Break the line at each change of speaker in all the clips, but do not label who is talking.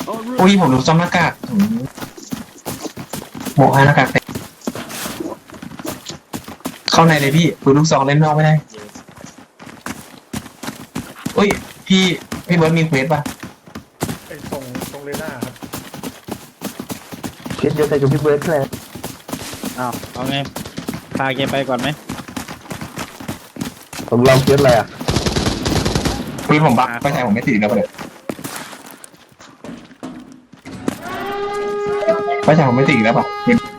อุ้ยผมดูซ่อมหน้ากากหมวกหน้ากากเต็มเข้าในเลยพี่ปืนลูกซองเล่นนอกไม่ได้อุ้ยพี่เบิร์ดมีเควสป่ะ
ไอ้ตรงเรน่าครับ
เคสเดียวใจกับพี่เบิร์ดเลย
อ้าวเอาไงพาแกไปก่อนไหม
ผมลองเคสอะไรอ่ะ
ปืนผมบักไม่ใช่ผมไม่ติดแล้วเลยไม่ใช่ผมไม่ติดแล้วป่ะ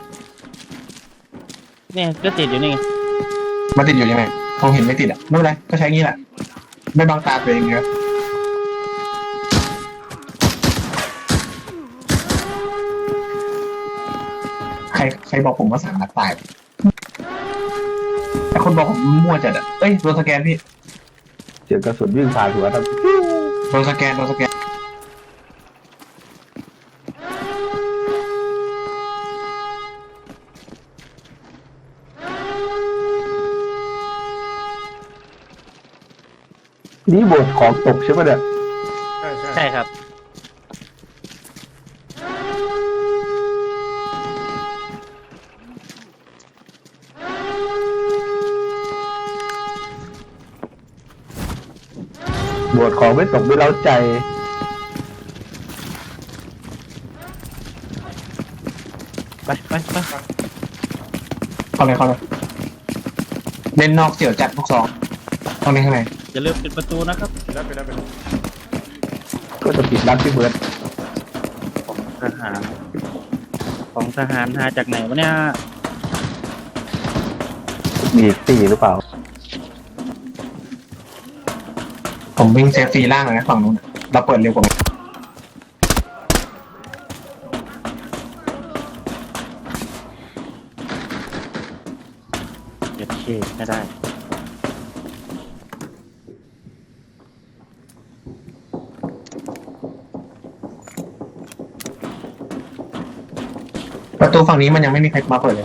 เนี่ยก็ติดอยู่นี่ไง
มันติดอยู่ยังไงผมเห็นไม่ติดอ่ะไม่เป็นไรก็ใช้งี้แหละไม่บังตาตัวเองเยอะใครบอกผมว่าสั่งนักตายแต่คนบอกผมมั่วจัดอ่ะเอ้ยโดนสแกนพี่
เสียงกระสุนวิ่งผ่านหัวครับ
โดนสแกน
นี่บทของตกใช่ไหมเนี่ย
ใช่ครับ
บทของไม่ตกไม่เล้าใจ
ไป
เข้าเลยเล่นนอกเสี่ยวจัดลูกซองตรงนี้ข้างใน
อย่าลืมปิดประตูนะครับ
ไปแล้ว
ก็จะปิดร้านพี่เบิร์ด
ของทหารหาจากไหนวะเนี่ย
มีตีหรือเปล่า
ผมวิ่งเซฟฟรีล่างเลยนะฝั่งนู้นเราเปิดเร็วกว่า
เก็บเคสไม่ได้
ประตูฝั่งนี้มันยังไม่มีใครมาเปิดเลย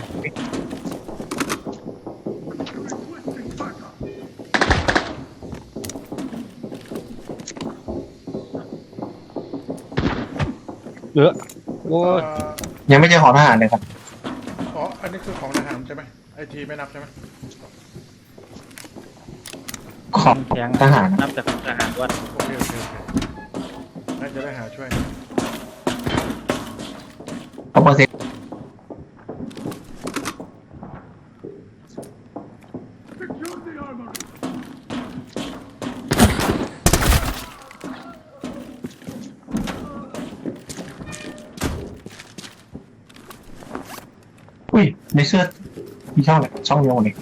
โอ้ย
ยังไม่เจอของทหารเลยครับ
อ๋ออันนี้คือของทหารใช่ไหมไอทีไม่นับใช่ไหม
ของทหาร
นับจากของทหารว่า
โอเคน่าจะได้หาช่วย
เอาเปอร์เซ็นต์อุ้ยในเสื้อมีช่องอะไรช่องเดียวเลย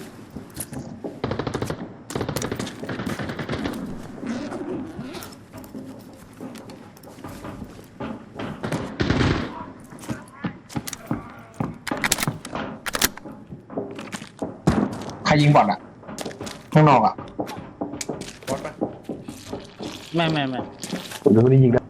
ใครยิงบอลอ่ะข้างนอกอ่ะ
บอสปะ
ไม่
ผมจะไม่ได้ยิงนะ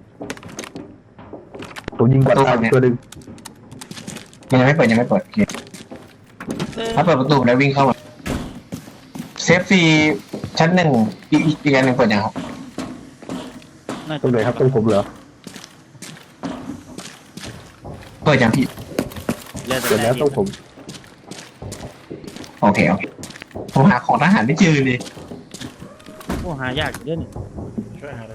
ผมยิงบอลตายตัวหนึ่ง
ยังไม่เปิดโอเคถ้าเปิดประตูแล้ววิ่งเข้ามาเซฟฟรีชั้นหนึ่งอีกอันหนึ่งเปิดยังครับ
ตรงไหนครับตรงผมเหรอ
เปิดยังพี่
เปิดแล้วตรงผม
โอเคผมหาของทหารไม่เจอเลย
โอ้หายากเยอะนี่
ช่วยหา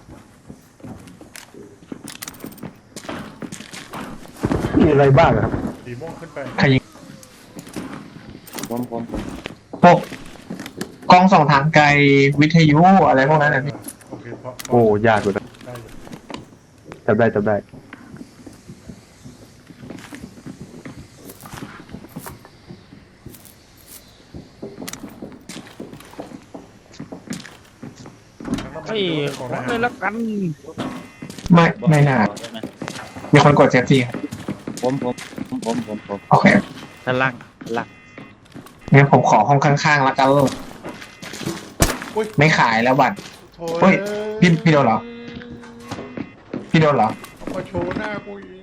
มีอะไรบ้างครับ
สีม่วงขึ้นไป
ใครยิง
ผม
พวกกล้องส่องทางไกลวิทยุอะไรพวกนั้นนะพี่
โอเค
โอ้ยากเลยนะจำได้
เฮ้ยขอเลยละกัน
ไม่น่ามีคนกดเซฟตี้ครับ
ผม
โอเค
ด้านล่าง
งั้นผมขอห้องข้างๆแล้วกันไม่ขายแล้วบัตรเฮ้ยพี่โดนเหรอ
มาโชว์หน้ากูอีก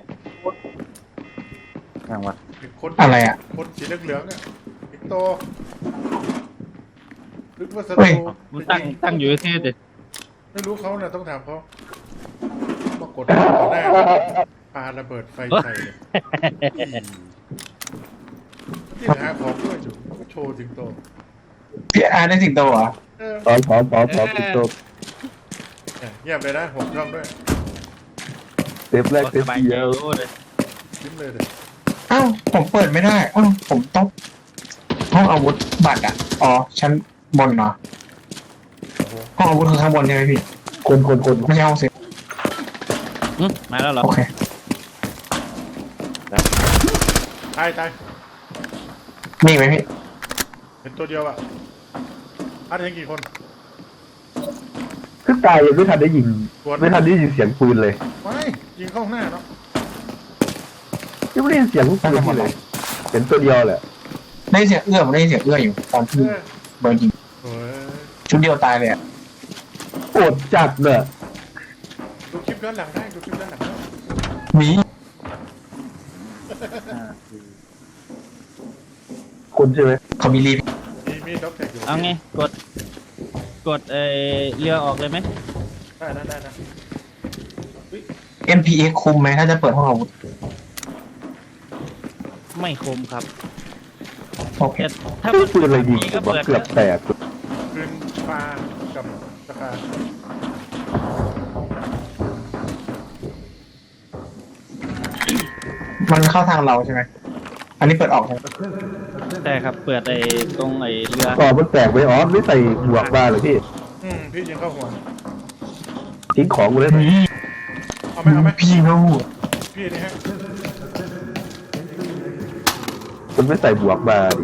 อะไรอ่ะ
คนสีเหลืองเนี่ยอีกโตนึกว่าส
เฮ้ย
มันตั้งอยู่ที่เด็ด
ไม่รู้เขาน่ะต้องถามเขามากดต่อหน้าปาระเบิดไฟใส่เลยที่หาของด้วยอยู่ก็โชว์ถึงโต
พี่อาร์ได้สิงโตเหรอ
พร้อมติดตัว
เงียบเลยนะผมชอบด้วย
เซฟแรกเซฟเดียว
เลย
ยิ้มเลยเลย
อ้าวผมเปิดไม่ได้อ้าวผมต้องห้องอาวุธบัตรอ่ะอ๋อชั้นบนเหรอ
โอ้โห
ห้องอาวุธคือข้างบนใช่ไหมพี่
คน
ไม่ใช่ห้องเซฟ
มาแล้วเหรอ
โอเค
ตาย
มีอีกไหมพี่
เห็นตัวเดียวอ่ะอาร์ตเห็นกี่คน
คือตายยังไม่ทันได้ยิงไม่ทันได้ยินเสียงปืนเลย
ไม่ยิงเข้าหน้าเนาะ
ยังไม่ได้ยินเสียงปืนเลยเห็นตัวเดียวแหละ
ได้เสียงเอื้อผมได้เสียงเอื้ออยู่ตอนที่เบิร์นยิง
โอ้ย
ชุดเดียวตายเลยอ่ะ
โอดจัดเนี่ย
ดูคลิปย้อนหลังได้ดูคลิปย้อนหลังได้
มี
คนใช่ไหม
เขามีรีบ
มีด็อกแท็กอยู่
เอาไงกดเรือออกเลยไหม
ได้นะ
MPX คุมไหมถ้าจะเปิดห้องอาวุธ
ไม่คมครับ
โอเค
แต่ถ้า
ปืนอะไรยิง
ก็
ผมว่า
เปิด
เกือบแตก
คืนปลากับสกา
มันเข้าทางเราใช่ไหมอันนี้เปิดออกใช่ไหม
ใช่ครับเปิดตรงเรือ
ต่อมันแตกไปอ๋อไม่ใส่หมวกมาเลยพี่
พี่ยิงเข้าหัว
ทิ้งของกูเลย
เอาไหม
พี่เขา
พี่นี่ฮะ
มันไม่ใส่หมวกมาดิ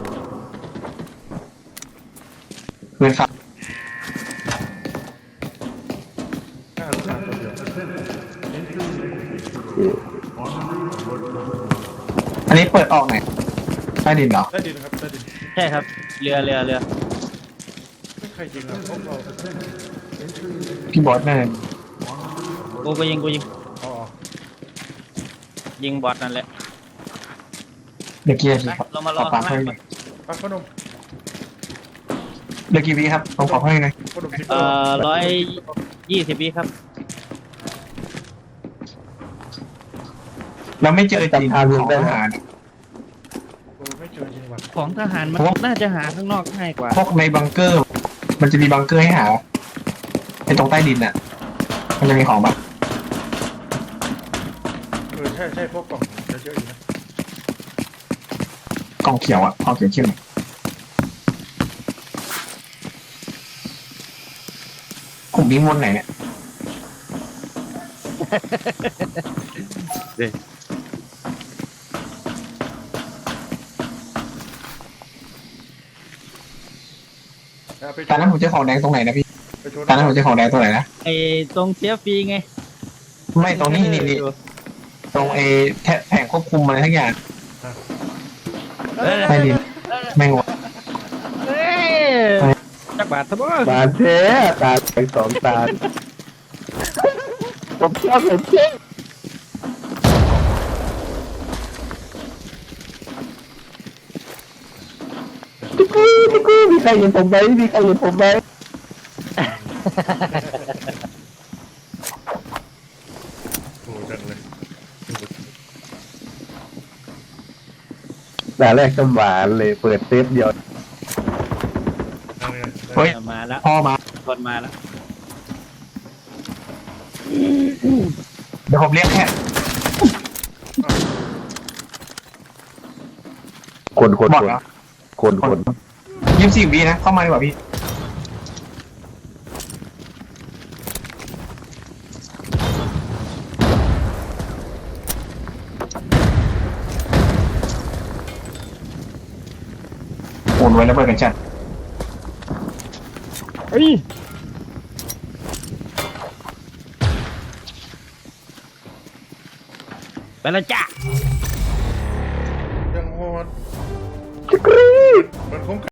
เงินฝาก
น่าสงสารตัวเดียว
อันนี้เปิดออกไหนใต้ดินเหรอ
ได้ดินครับได้ดิน
ใช่ครับเรือ
ไม่ใครยิงอ่ะพวกเรา
พี่บอสแน่
กูยิง
อ๋อ
ยิงบอสนั่นแหละ
เดี๋ยวกี่นาที
ไป
ครับ
เรามาร
ข
อ
อปา
ข้าก ง
เพิ่ม
ล่าง
ปลาขนม
เดี๋ยวกี่วิครับผมขอเพิ่มหน่อย
ขนมทิพย์
120 วิครับ
เราไม่เจอจริงของทหาร
โอ้ไม่เจอจริงว่ะ
ของทหารมันน่าจะหาข้างนอกง่ายกว่า
พวกในบังเกอร์ มันจะมีบังเกอร์ให้หาในตรงใต้ดินน่ะ มันจะมีของแบบ
ใช่พวกกล่องจะเยอะอยู่นะ
กล่องเขียวอ่ะกล่องเขียวเข้มกลุ่มนี้มวนไหนเนี่ย
ไป
ตอนนั้นผมเจอของแดงตรงไหนนะพี่
ไปชน
ตอนนั้นผมเจอของแดงตรงไหนนะ
ตรงเสียฟรีไง
ไม่ตรงนี้นี่ตรงแผงควบคุมอะไรทั้งอย่างใต้ดินแม่งวะ
เอ้ยจักบาททั้งหมด
บาดแท้ตาไปสองตาผมชอบเลยเจ๊พี่กู้มีใครเห็นผมไหมมีใครเห็นผมไหม
โอ้จังเลย
ด่าแรกก็หวานเลยเปิดเซฟเดียว
เฮ้ย
มาแล้ว
พ่อมา
คนมาแล้ว
เดี๋ยวผมเรียกแค่
คน
หมดเหรอ
คน
24 วินะ เข้ามาดีกว่าพี่ โอนไว้แล้วเปิดกันจัด
เฮ้ยไปแล้วจ้า
ยังโหด
จิกรี
มันคง